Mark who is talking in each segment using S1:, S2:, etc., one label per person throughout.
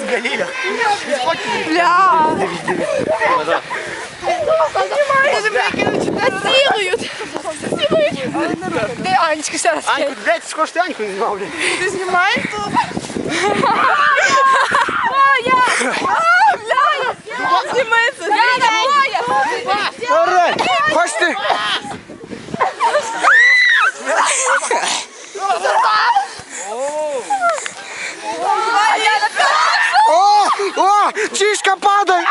S1: тебе, Ліля.
S2: Бля. Де Анечка ще раз?
S1: Аньку, блядь, скоро ти Аньку не знімав, блядь.
S2: Ти знімаєш тут? Знімається.
S3: Орай! Хочете? О, чішка падає!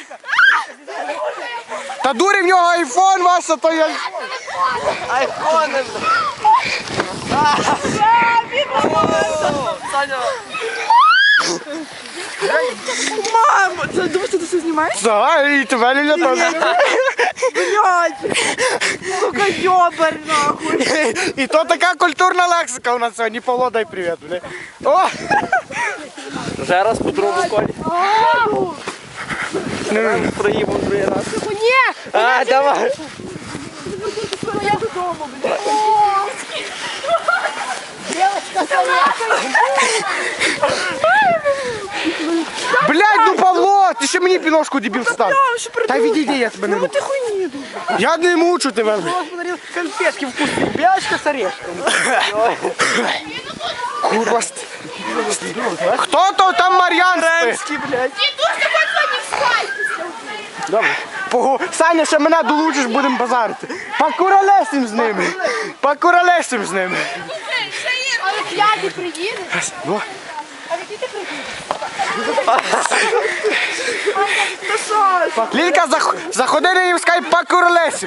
S3: Та дурі в нього айфон, Вася, то я...
S1: Айфони. Саня.
S2: Мамо, ти думаєш, що ти все знімаєш?
S3: Давай, і тебе, Ліля, теж.
S2: Блядь. Сука, йобар, нахуй.
S3: І то така культурна лексика у нас сьогодні. Павло, дай привіт, бля. О!
S1: Вже раз по другому колі. Проїмо другий раз.
S2: Ні!
S1: А, давай.
S2: Я додому, блядь.
S3: Блядь, ну Павло, ти ще мені піношку дебіл став. Та відійди, я тебе не руку.
S2: Ти хуйні.
S3: Я не мучу тебе, блядь.
S1: Подарил конфетки вкусные. Белочка с орешком.
S3: Курва. Хто то там Мар'ян спить?
S1: Ремський, блядь.
S3: Добре. Саня, ще мене долучиш, будемо базарити. Покуролесим з ними. Покуролесим з ними.
S2: Але п'ятий приїде.
S3: Ну.
S2: А який ти приїде?
S3: Лілька, заходи на їм скайп, покуролесим.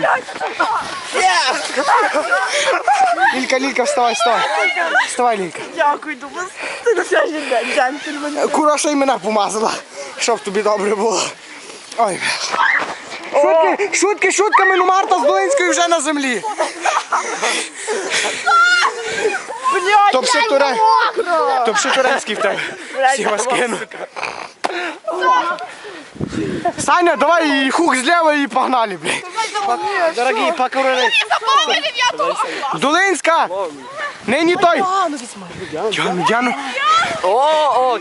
S3: Лілька, вставай, вставай. Вставай, Лілька.
S2: Дякую, думаю, ти на сьогодні день, джентльмен.
S3: Кура ще й мене помазала, щоб тобі добре було. Ой, шутками, ну Марта з Долинською вже на землі.
S2: Блядь,
S3: То ще турецький в тебе. Всі вас кину. Саня, давай і хук зліва і погнали, блядь.
S1: Дорогие, покурили.
S3: Долинська! Нині той. Діану.
S1: О.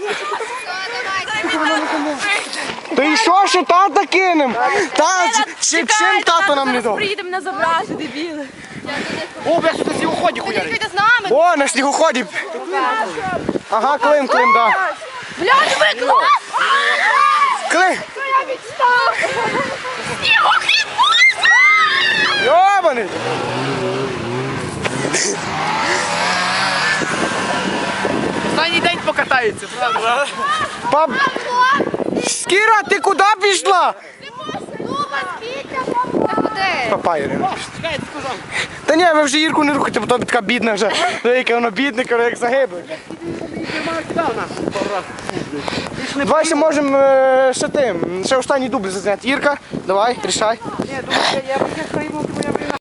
S3: Та і що тата кинем? Чим тато нам не дав?
S2: Приїде мене забрати, дебіли.
S1: О, блядь, что-то с уходи хуярит.
S2: Ти з нами?
S3: О, на снігоході. Ага, Клим, да.
S2: Блядь, викло!
S3: Клим.
S2: Я відстав! Снігохід!
S3: Йобаний.
S1: Останній день покатається, правда?
S3: Пап... Скіра, ти куди пішла? Папа, Ірина.
S1: Чекай, ти сказав.
S3: Та ні, ви вже Ірку не рухайте, бо то така бідна вже. Яке воно бідне, як загибле. Давай ще можемо ще останній дубль зазняти. Ірка, давай, рішай.
S1: Ні, думаю, я приймав тебе